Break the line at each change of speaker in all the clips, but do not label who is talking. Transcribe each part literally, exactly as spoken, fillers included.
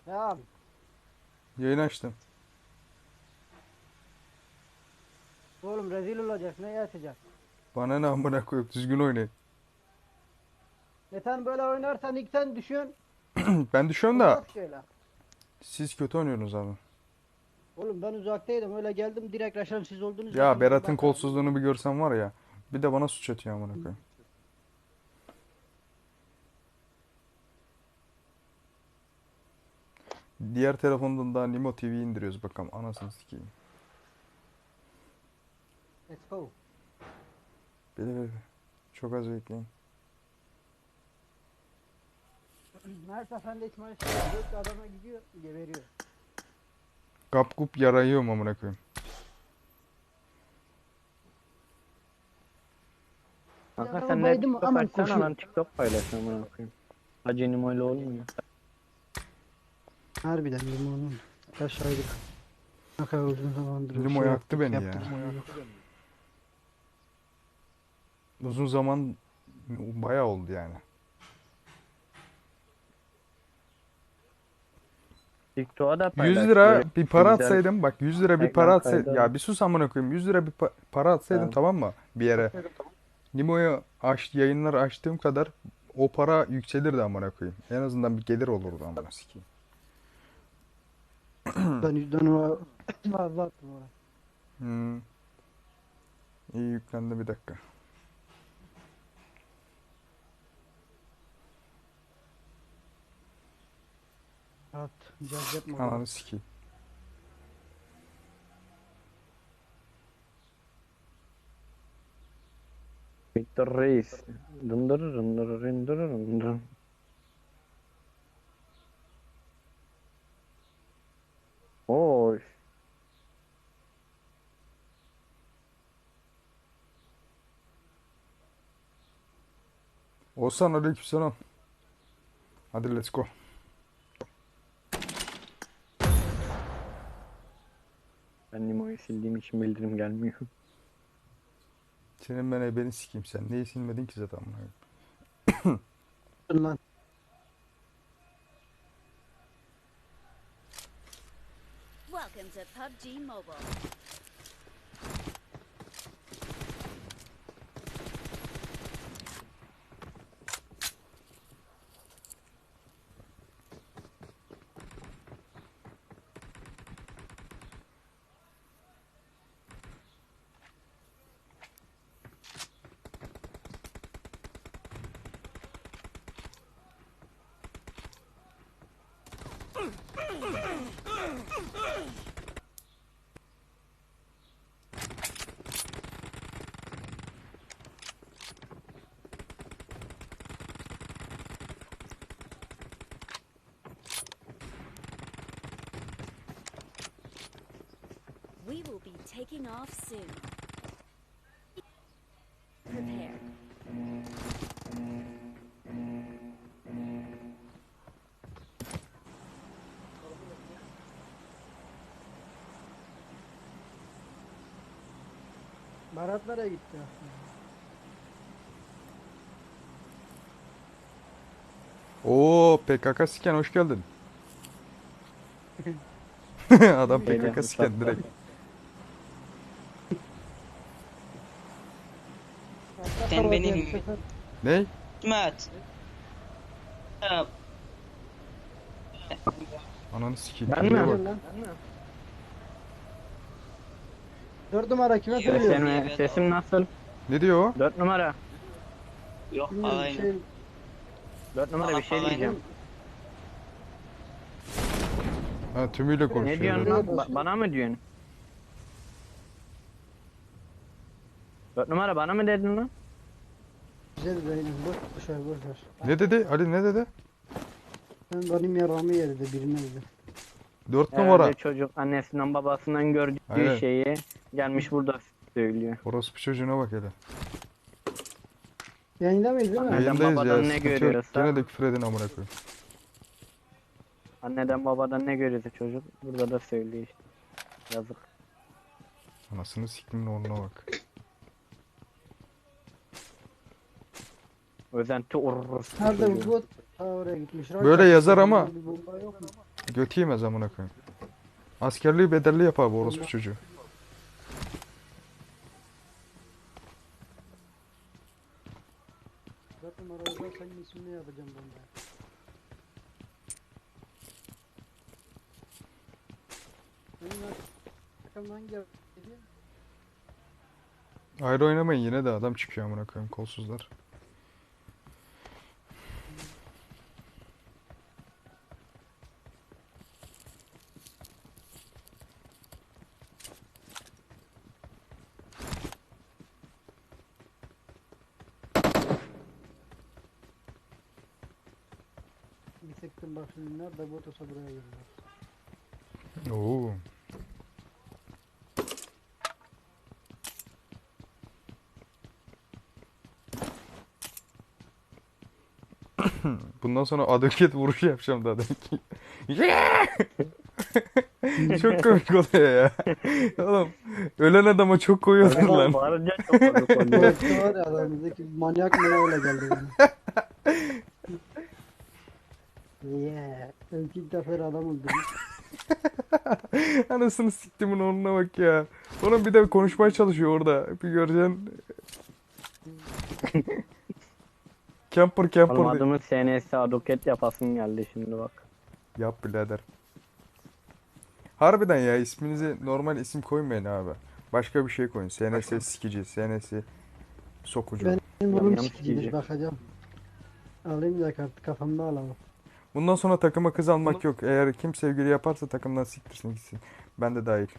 Ya abi.
Yayın açtım.
Oğlum rezil olacak. Ne açacak?
Bana ne amına koyup düzgün oynayın.
E sen böyle oynarsan ilk sen düşün.
Ben düşüyorum da
Olmaz ki öyle.
siz kötü oynuyorsunuz abi.
Oğlum ben uzaktaydım. Öyle geldim direkt Raşan siz oldunuz
Ya
dedim.
Berat'ın
Bakalım.
kolsuzluğunu bir görsen var ya. Bir de bana suç atıyor amına koyayım. Diğer telefondan da Nimo T V indiriyoruz bakalım. Anasını sikeyim.
Let's go.
Bile bile. Çok az bekleyin.
Her seferinde hiç maç yok. Dört adama gidiyor. Geberiyor.
Kap kup yarayıyorum amına koyayım.
Bir
Kanka
adama
sen de
baydım
TikTok
aman
açsana
koşuyor.
lan, TikTok paylaş amına koyayım. Acenim öyle olmuyor.
Harbiden limonun. Aşağıydık. Ne kadar uzun zamandır
Limo
şey
yaktı
yaptık
beni
yaptık.
ya.
Limo yok.
Uzun zaman bayağı oldu yani.
TikTok'a da
yüz
paylaş
lira
böyle
bir para
güzel
atsaydım, bak yüz lira bir para
ekran
atsaydım,
kaydı al.
ya bir sus amına koyayım, yüz lira bir pa- para atsaydım
Tamam.
tamam mı bir yere. Nimo'yu aç, yayınlar açtığım kadar o para yükselirdi amına koyayım. En azından bir gelir olurdu amına sikeyim.
Ben yüzden o fazla attım oraya.
Hmm, iyi yüklendi bir dakika.
Rahat. Caz yapma orada.
Ananı sikeyim.
Victor Reis. Dındır dındır dındır dındır. Oy.
Olsan aleykümselam. Hadi let's go.
Ben Nimo'yu sildiğim için bildirim gelmiyor.
Senin ben ebeni sikeyim, sen neyi silmedin ki zaten amına koyayım.
Dur lan.
Welcome to P U B G Mobile. We will be taking off soon. Prepare.
Berat nereye gitti?
Oo P K K siken hoş geldin. Adam
Şeyde
P K K siken
uçakta.
direkt.
Sen benim
Ney?
Hikmet. Ya,
Ananı sikeyim.
Ben
Buraya
mi?
bak.
Lan. Dört numara kime
Yok,
söylüyor?
sen-
Sesim, sesim nasıl?
Ne diyor o?
Dört numara.
Yok
Bilmiyorum
aynı.
şey.
Dört numara bir şey
Aynen.
diyeceğim.
Ha tümüyle
Ne
konuşuyor.
diyorsun
öyle.
lan? Ba- bana mı diyorsun? Dört numara bana mı dedin lan?
Güzel benim. Boş boş ver boş ver.
Ne dedi? Ali ne dedi?
Ben benim yaramı yedi birine dedi.
Dört
Herhalde
numara.
çocuk annesinden babasından gördüğü
Aynen.
şeyi gelmiş burada söylüyor.
Orospu çocuğuna bak hele.
Yayında mıyız değil mi?
Neden
Yayındayız
babadan
ya.
ne
Sıkıntı yok.
görüyorsa-
Gene de küfür edin amına koyayım.
Anneden babadan ne görüyorsa çocuk burada da söylüyor işte. Yazık.
Anasını siktimin oğluna bak.
Özenti ururuz.
Nerede bu bot? Ha oraya gitmiş.
Böyle yazar ama-
Bir bomba yok mu?
Götü yemez amına koyayım. Askerliği bedelli yapar bu orospu çocuğu.
Dört numarada senin ismini yapacağım ben de. Benim arkamdan hangi geliyor?
Ayrı oynamayın yine de adam çıkıyor amına koyayım kolsuzlar.
Bir sektim bak şimdi nerede bu otosa buraya geliyor.
Oo. Bundan sonra aduket vuruşu yapacağım daha demek ki. Çok komik oluyor ya. Oğlum ölen adama çok koyuyorlar
Lan
lan.
bağırınca çok komik oluyor.
Orası var ya aramızdaki manyak mı ne öyle geldi bana. Yeah. Ben ilk defa adam öldürmüş.
Anasını siktimin oğluna bak ya. Oğlum bir de konuşmaya çalışıyor orada. Bir göreceksin. Camper camper
Oğlum
diye.
adımın S N S aduket yapasın geldi şimdi bak.
Yap birader. Harbiden ya isminizi normal isim koymayın abi. Başka bir şey koyun. S N S sikici, S N S sokucu.
Ben- Benim
Yam
oğlum
yam
sikicidir
sikici.
bakacağım. Alayım da kartı kafamda alamam.
Bundan sonra takıma kız almak yok. Eğer kim sevgili yaparsa takımdan siktirsin gitsin. Ben de dahil.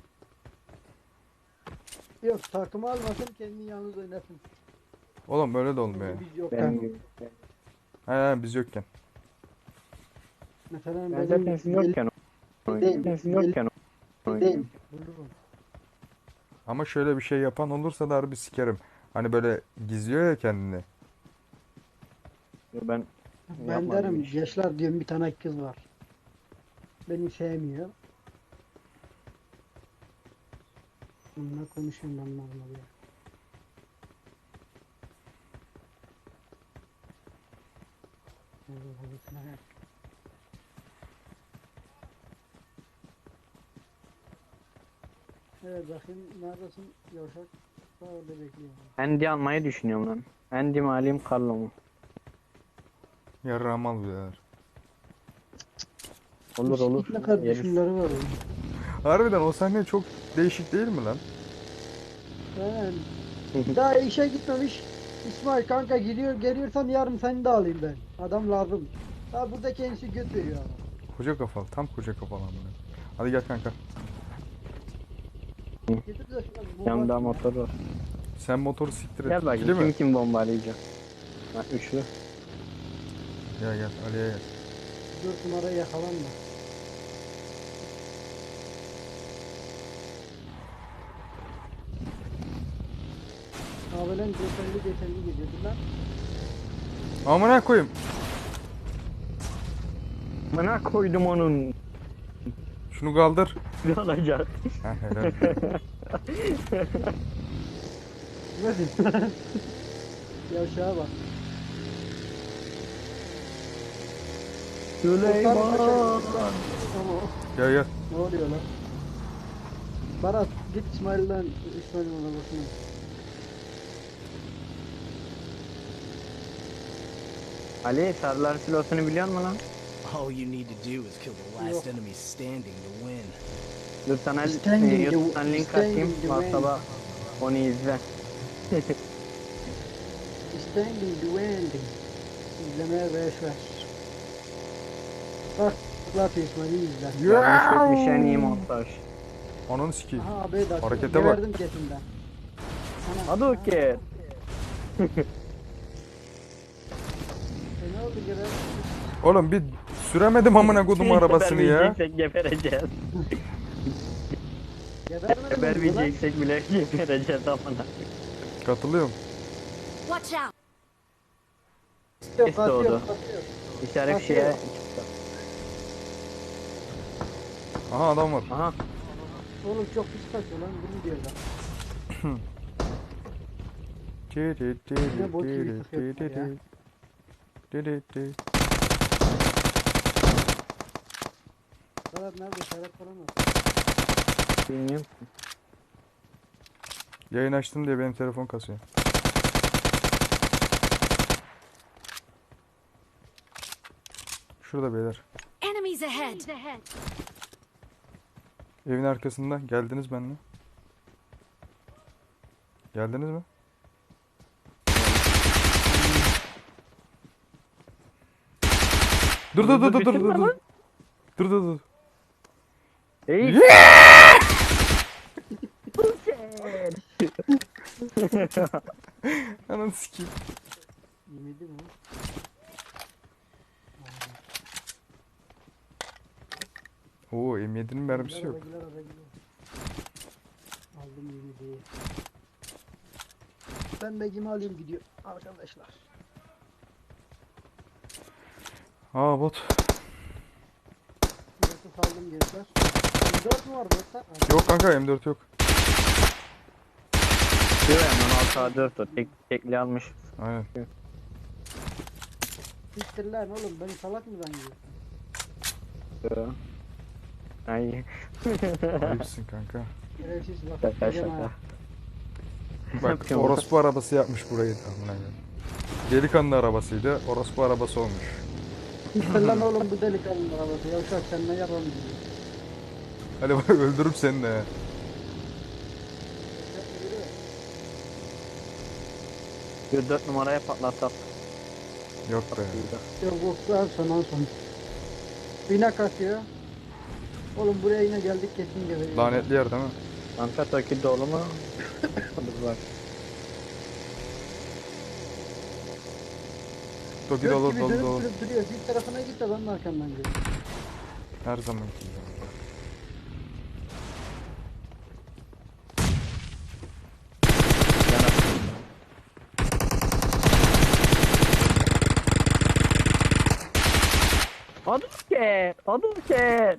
Yok takımı almasın kendini yalnız oynasın.
Oğlum öyle de olmuyor ya.
Biz yok
Benim
yani.
gibi.
He he biz yokken.
Mesela
Ben
benim
zaten siz yokken oynayayım. Ben siz yokken oynayayım.
Bulurum.
Ama şöyle bir şey yapan olursa da harbi sikerim. Hani böyle gizliyor ya kendini.
Ben
Ben
yapmadım
derim
hiç.
gençler diyorum bir tane kız var. Beni sevmiyor. Bununla konuşuyorum ben normal ya. Evet bakayım neredesin yavşak? Daha orada bekliyorum.
Andy almayı düşünüyorum lan. Andy mi alayım Carlo mu?
Yarrağım al birader.
Olur olur.
Ne kadar
Yeriz.
düşünleri var onun.
Harbiden o sahne çok değişik değil mi lan?
Yani daha işe gitmemiş. İsmail kanka gidiyor geliyorsan yarın seni de alayım ben. Adam lazım. Ha burada kendisi göt veriyor ama.
Koca kafalı. Tam koca kafalı amına. Hadi gel kanka.
Getir de şu bomba
Yanımda
atayım ya.
motor var.
Sen motoru siktir et.
Gel
İkili
bakayım
mi?
kim kim bombalayacak. Ha, üçlü.
Gel gel Ali'ye gel.
Dört numarayı yakalanma. Abilen geçerli geçerli gidiyordu lan.
Amına koyayım.
Bana koydum onun.
Şunu kaldır.
Ne olacak?
Heh, helal.
Nasıl? Yavşağa bak.
Süleyman.
Ama
Gel gel.
ne oluyor lan? Barat git İsmail'den İsmail'in arabasına.
Ali sarılar silosunu biliyor musun lan?
All you need to do is kill the last enemy standing to win.
Dur sana
Standing
e,
the-
YouTube'dan link
standing
atayım.
the
WhatsApp'a onu izle.
Standing the wind. İzlemeye beş ver. Bak bak İsmail'i izle.
Yanlış etmiş en iyi montaj.
Ananı sikeyim.
Aha abi de
Harekete bak.
geberdim ketinden. Ana,
Hadi okey.
E ne oldu geberdim?
Oğlum bir süremedim amına kodum arabasını ya.
Gebermeyeceksek gebereceğiz.
Gebermedim mi bu lan?
Gebermeyeceksek bile gebereceğiz amına.
Katılıyorum.
Watch out!
Yok,
Kes
atıyor,
doğdu.
atıyor.
İşaret şeye.
Aha adam var.
Aha.
Oğlum çok pis kaçıyor lan bunu diyor lan.
Diri diri
Ne bot gibi
diri
sıkıyorsun
diri
ya.
diri diri.
Serhat nerede? Serhat falan var.
Bilmiyorum.
Yayın açtım diye benim telefon kasıyor. Şurada beyler.
Enemies ahead.
Evin arkasında. Geldiniz benimle. Geldiniz mi? Dur dur dur dur dur dur dur. Dur dur dur.
Ey.
Ananı sikeyim.
Yemedi mi?
Oo M yedi'nin mermisi yok.
Araba gider, araba gider. Aldım yemedi. Ben begimi alayım gidiyor arkadaşlar.
Aa bot.
Burası saldım gençler. M dört mü var burada?
Yok kanka M dört yok.
Diyor ya hemen altı A dört o. Tek, tekli almış.
Aynen.
Siktir lan oğlum beni salak mı zannediyorsun?
Diyor. Ay.
Ayıpsın kanka.
Şerefsiz bak.
Şaka
gideceğim
şaka.
ha.
Bak
Yapıyorum.
orospu arabası yapmış burayı da. Amına koyayım. Delikanlı arabasıydı. Orospu arabası olmuş.
Siktir lan oğlum bu delikanlı arabası. Yavşak sen ne yapan diyor.
Hadi bak öldürürüm seni de.
Bir dört numaraya patlatak.
Yok be.
Yok yok ben son en son. Bina kasıyor. Oğlum buraya yine geldik kesin geleceğiz.
Lanetli yer değil mi?
Kanka Toki dolu mu? Dur bak.
Toki
Göt
dolu
gibi
dolu
dönüp
dolu.
durup duruyor. Bir tarafına git de ben de arkamdan geliyorum.
Her zamanki gibi.
Hadouken! Hadouken!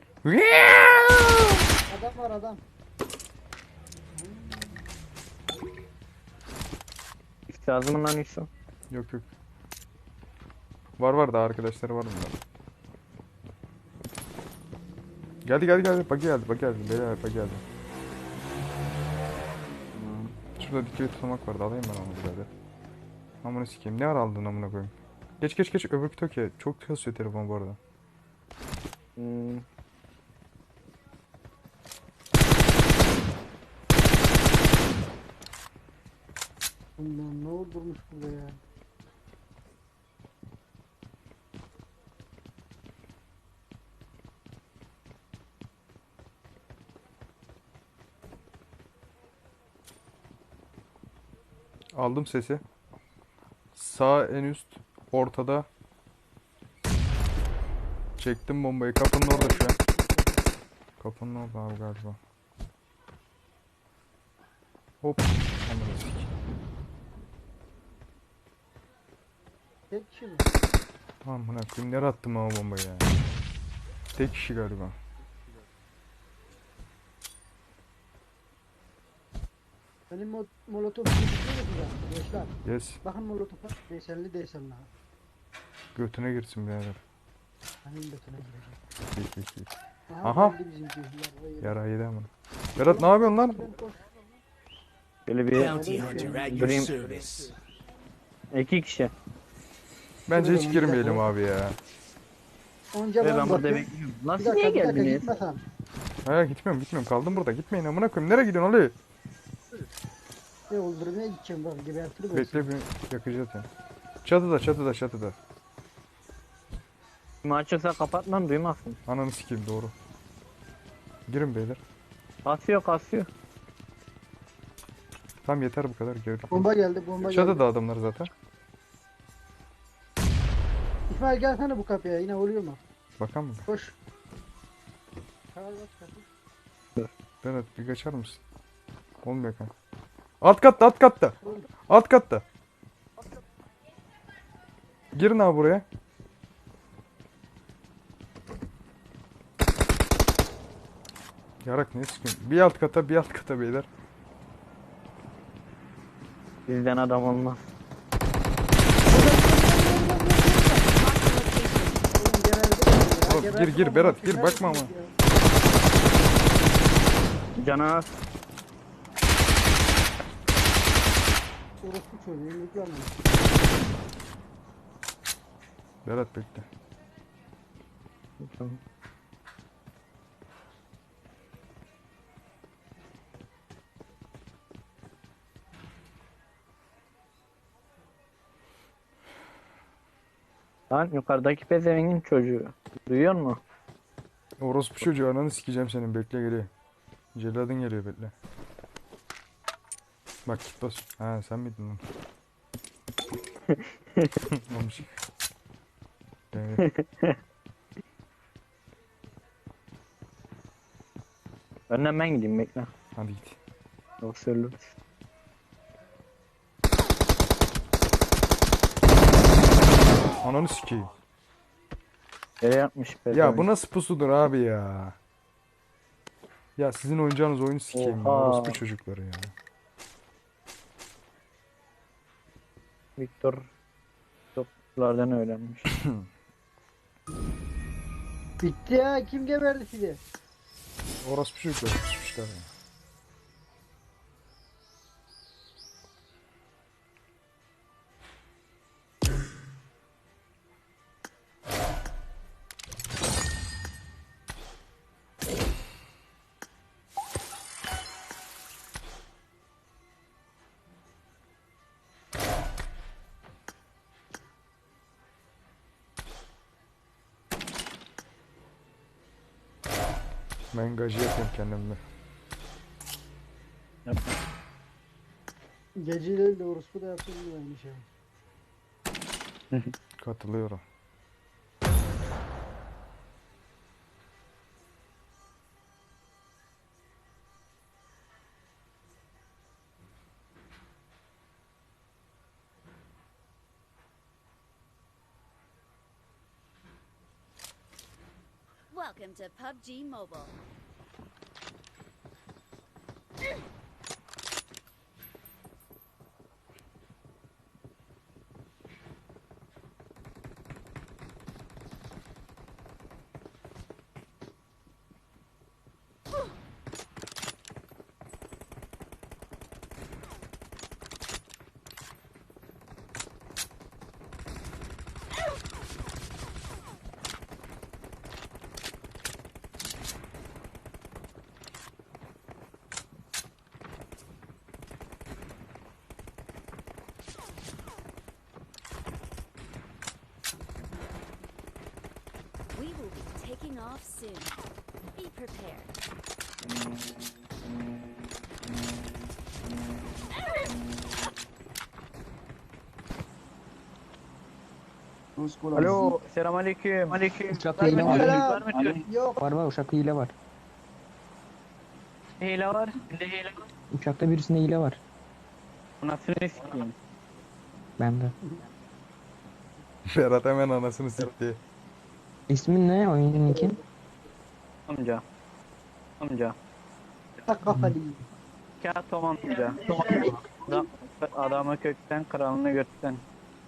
Adam var adam.
İşte lazım lan Yusuf.
Yok yok. Var var da arkadaşları var bunların. Geldi geldi geldi. Bak geldi bak geldi. Beyler bak geldi. Şurada dikey tutamak vardı. Alayım ben onu birader. Amına sikeyim. Ne ara aldın amına koyayım. Geç geç geç öbürkü Toki. Çok kasıyor telefon bu arada.
Hmm.
Bundan ne olurmuş burada ya.
Aldım sesi. Sağ en üst ortada. Çektim bombayı. Kapının orada şu an. Kapının orada abi galiba. Hop. Amına sikeyim.
Tek kişi mi?
Amına koyayım nereye attım ama bombayı ya. Tek kişi galiba.
Benim mo molotof gibi bir şey gençler.
Yes.
Bakın molotofa desenli desenli ha.
Götüne girsin birader.
Benim götüne girecek.
Hi, hi, hi.
Aha,
Aha.
geldi bizimki. Yarayı.
Yara yedi amına. Berat ne yapıyorsun lan?
Ben koş.
Böyle bir
Bounty hunter at your
Dream-
service.
iki kişi.
Bence hiç
Tamam,
girmeyelim
tamam.
abi ya.
Onca
Ve
ben
ben burada
bakıyorum.
bekliyorum.
Bir
Nasıl
dakika
niye
bir dakika
geldiniz?
gitme sen.
Hayır gitmiyorum gitmiyorum. Kaldım burada. Gitmeyin amına koyayım. Nereye gidiyorsun Ali?
Ne öldürmeye gideceğim bak gebertirim. ben
Bekle bir yakacağız ya. Çatıda çatıda çatıda.
Kim açıksa kapatmam duymazsın.
Ananı sikeyim doğru. Girin beyler.
Kasıyor kasıyor.
Tamam yeter bu kadar. Gerek yok.
Bomba geldi bomba geldi.
Çatıda adamlar zaten.
İsmail gelsene bu kapıya yine oluyor mu?
Bakan mı?
Koş. Çağır bak kapı.
Berat bir kaçar mısın? Olmuyor kanka. Alt katta alt katta. Alt katta. Girin abi buraya. Yarak ne sıkıntı? Bir alt kata bir alt kata beyler.
Bizden adam olmaz.
Oğlum geberdi.
Oğlum gir gir Berat gir bakma ama.
Cana
Orospu çocuğu yumruklarla.
Berat bekle.
Lan yukarıdaki pezevengin çocuğu. Duyuyor musun?
Orospu çocuğu ananı sikeceğim senin bekle geliyor. Celladın geliyor bekle. Bak git bas. Ha sen miydin lan? Olmuş. Evet.
Önden ben gideyim bekle.
Hadi git.
Yoksa ölürüz.
Ananı sikeyim.
Yere yatmış
Ya
pezevenk.
bu nasıl pusudur abi ya? Ya sizin oynayacağınız oyunu sikeyim ya.
Oha.
Orospu çocukları ya.
Victor toplardan öğrenmiş.
Bitti ya, kim geberdi sizi?
Orospu çocukları pusmuşlar ya. Ben gacı yapayım kendimle.
Yapma.
Geceleri de orospu da yapsın mı aynı şey.
Katılıyorum.
Welcome to P U B G Mobile. We will be taking off soon. Be prepared.
Alo, selamünaleyküm. Aleyküm.
Uçakta hile var.
Selam.
Var mı diyor?
Yok.
Var var uçakta hile var.
Hile var. Bir de hile var.
Uçakta birisinde hile var.
Anasını sikeyim.
Bende.
Berat hemen anasını sikti.
İsmin ne? Oyuncunun kim?
Amca. Amca.
Tak kafalı.
Kağıt Tom amca. Adam, adamı kökten, kralını gökten.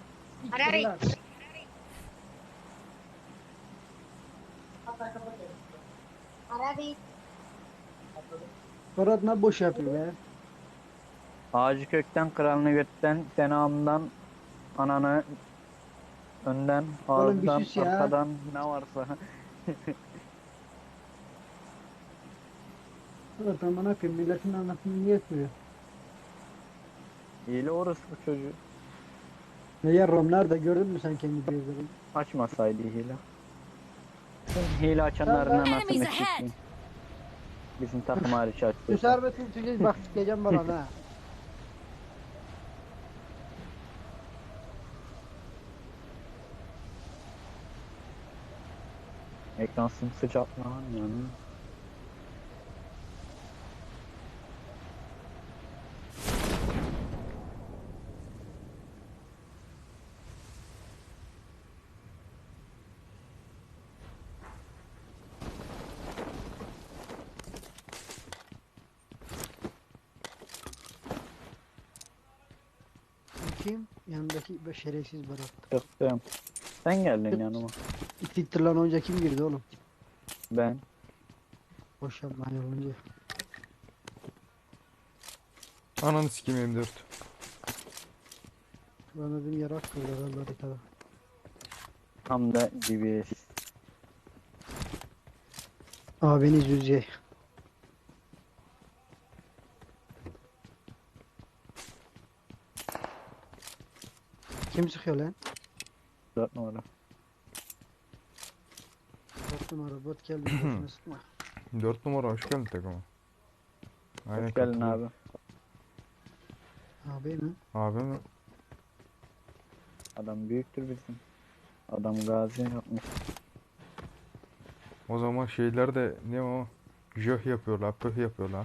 Berat ne boş yapıyor be.
Ağacı kökten, kralını gökten, senamdan, ananı önden,
Oğlum bir
ağızdan,
sus ya.
arkadan ne varsa.
Berat aman akım milletin anasını niye etmiyor?
Hile orası bu çocuğu.
Ne yarram nerede gördün mü sen kendi gözlerini?
Açmasaydı hile. Hile açanların
Sen-
anasını
Enemies ahead.
sikeyim. Bizim takım hariç
Şu
açtı.
servetin tüceyi bak sikeceğim bana ha.
Ekran sımsıcak lan yani.
Kim? Yanındaki be- şerefsiz Berat.
Çıktım. Sen geldin yanıma.
Siktir lan önce kim girdi oğlum?
Ben.
Boş yapma hani olunca.
Ananı sikeyim M dört.
Ben dedim yarak kıldı herhalde haritada.
Tam da D B S.
Abiniz yüzey. Kim sıkıyor lan?
dört numara.
Dört numara bot geldi. Boşuna sıkma.
dört numara hoş geldin takıma. Aynen
Hoş geldin
katılıyorum.
abi.
Abi mi?
Abi mi?
Adam büyüktür bizim. Adam gazi yapmış.
O zaman şeyler de ne o? Jöh yapıyorlar, pöh yapıyorlar.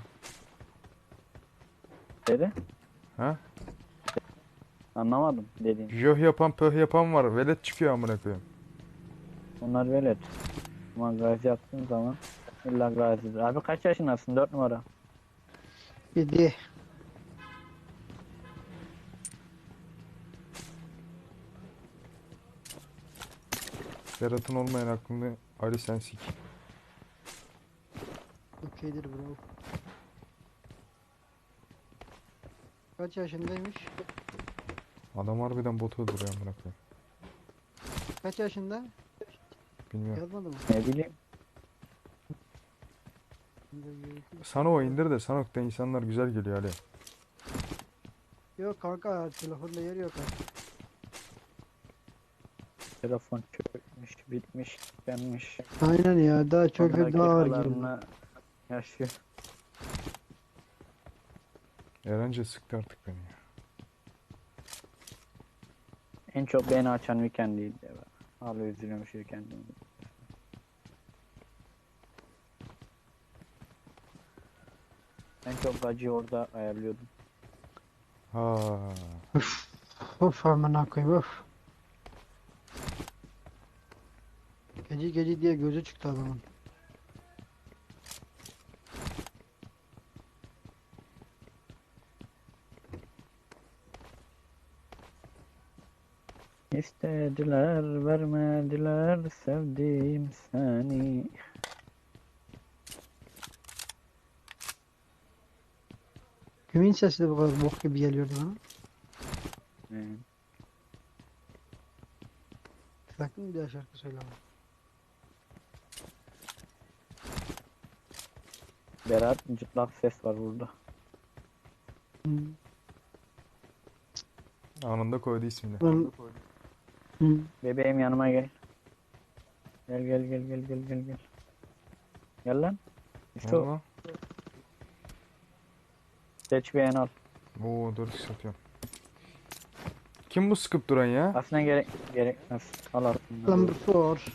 Dedi.
Ha?
Anlamadım dediğin.
Jöh yapan, pöh yapan var. Velet çıkıyor amına koyayım.
Onlar velet. Ama gazi yaptığın zaman illa gazidir. Abi kaç yaşındasın? dört numara.
Yedi.
Berat'ın olmayan aklını Ali sen sik.
Okeydir bro. Kaç yaşındaymış?
Adam harbiden bot öldürüyor amına koyayım.
Kaç yaşında?
Bilmiyorum.
Yazmadı mı?
Ne bileyim.
Sana o indir de Sanok'ta insanlar güzel geliyor Ali.
Yok kanka telefonda yer yok artık.
Telefon çökmüş, bitmiş, tükenmiş.
Aynen ya daha çok
Son
daha ağır geliyor.
dakikalarını yaşıyor.
Erence sıktı artık beni ya.
En çok beni açan Weekend'iydi ya. Hala üzülüyorum şu Weekend'ime. En çok acıyı orada ayarlıyordum.
Ha.
Of amına koyayım of. Gece gece diye gözü çıktı adamın.
İstediler, vermediler, sevdim seni.
Kimin sesi de bu kadar bok gibi geliyordu bana?
Ee,
Sakın bir daha şarkı söyleme.
Berat cıplak ses var burada.
Hı.
Anında koydu ismini.
Ben... Hı.
Bebeğim yanıma gel. Gel gel gel gel gel gel gel. Gel lan. İşte o.
Valla.
Seç beğen al.
Oo dört x atıyorum. Kim bu sıkıp duran ya?
Aslında gerek gerekmez. Al aslında.
Number four.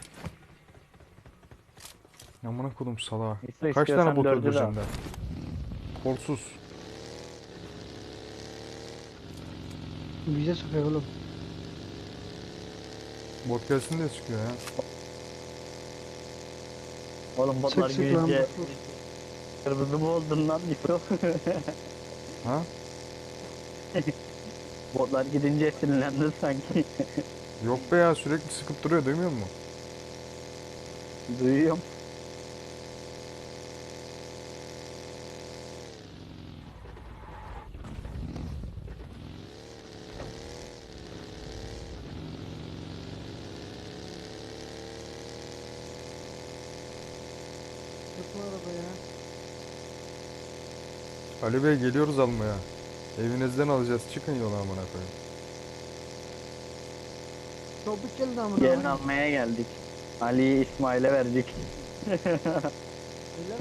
Amına kodum salağa.
İşte
Kaç tane
istiyorsan
bot
dördü de
öldüreceğim
al.
de? Kolsuz.
Bize sokuyor oğlum.
Bot gelsin diye sıkıyor ya.
Oğlum botlar
Sık sık lan.
gülünce kırmızı mı oldun lan diyor.
Ha?
Botlar gidince sinirlendin sanki.
Yok be ya sürekli sıkıp duruyor duymuyor musun?
Duyuyorum.
Tutma arabaya.
Ali Bey geliyoruz almaya. Evinizden alacağız. Çıkın yola amına koyayım.
Çabuk gelin amına.
Gelin
koyayım.
almaya geldik. Ali'yi İsmail'e verdik.
Öyle mi?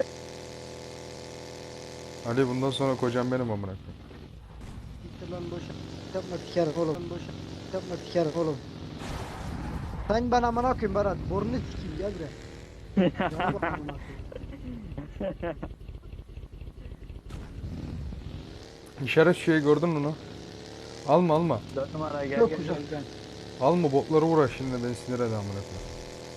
Ali bundan sonra kocam benim amına koyayım.
Gitti lan boşa. Yapma sikerim oğlum. Boşa. Yapma sikerim oğlum. Sen bana amına koyayım Berat. Borunu sikeyim gel buraya. Cana bak amına koyayım.
İşaret şeyi gördün mü onu? Alma alma.
Dört numara gel
Yok
gel
hocam.
gel. gel.
Alma botları uğraş şimdi beni sinir ede amına koyayım.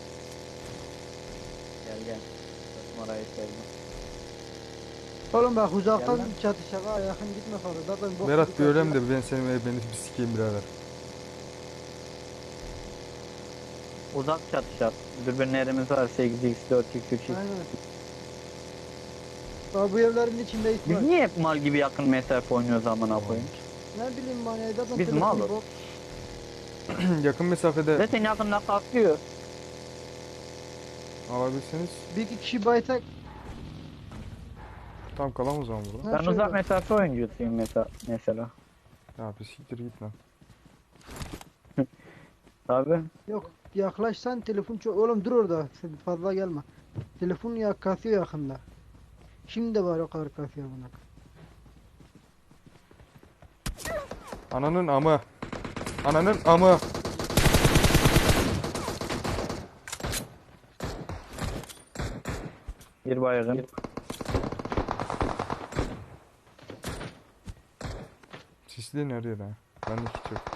Gel gel. Dört numarayı sevdim.
Oğlum bak uzaktan
Gel lan.
çatışağa yakın gitme fazla. Zaten bok
Berat
gibi
bir ölem
kaçıyor.
de ben seni beni bir sikeyim birader.
Uzak çatışat. Dürbünlerimiz var. sekiz x, dört x, üç x.
Aynen. Daha bu evlerin içinde
Biz
İsmail.
niye hep mal gibi yakın mesafe oynuyoruz amına koyayım?
Ne bileyim ben ya zaten
Biz
telefon
malız.
bok.
Yakın mesafede
Zaten yakında kalkıyor.
alabilseniz
Bir iki kişi baysak.
tam kalamam o zaman burada.
Ha,
Ben
şöyle.
uzak mesafe oyuncusuyum mesela. mesela.
Ya bir siktir git lan.
Tabi.
Yok yaklaşsan telefon çok. Oğlum dur orada. Sen fazla gelme. Telefon ya kasıyor yakında. Şimdi de var o kadar kasıyor buna.
Ananın amı. Ananın amı.
Bir baygın.
Sisli nereye lan? Bende hiç yok.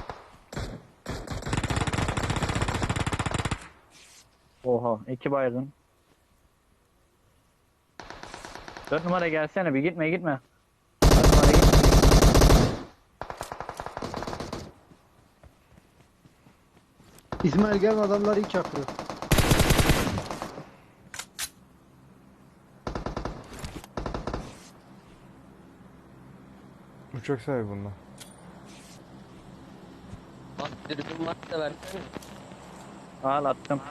Oha. iki baygın. Dört numara gelsene bir gitme gitme. Dört numara gitme.
İsmail gelme adamlar iyi çakırıyor.
Uçak sahibi bunlar.
Bak dürbün varsa versene.
Al attım.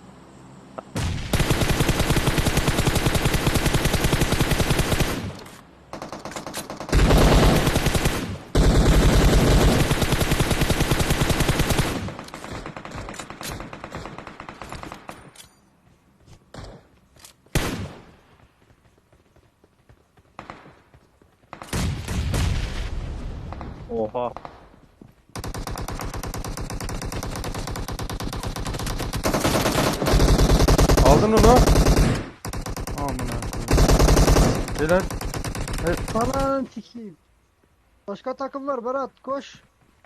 Oha.
Aldın onu. Amına koyayım. Beyler.
Ananı sikeyim. Başka takım var Berat koş.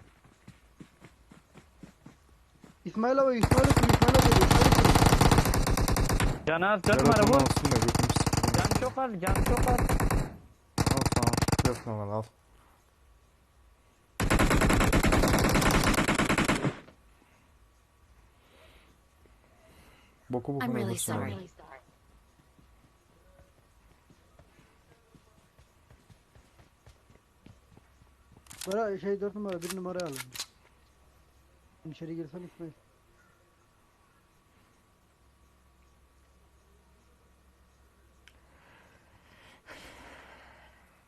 İsmail abi İsmail abi İsmail abi İsmail abi.
Can az dört
Berat
numara
onu
vur.
alsın da götümü sikeyim.
Can çok az can çok az.
Al tamam. Dört numara al. Boku
I'm
bokuna
really
alırsın
sorry.
abi.
Berat şey dört numara bir numara alın. İçeri girsen İsmail.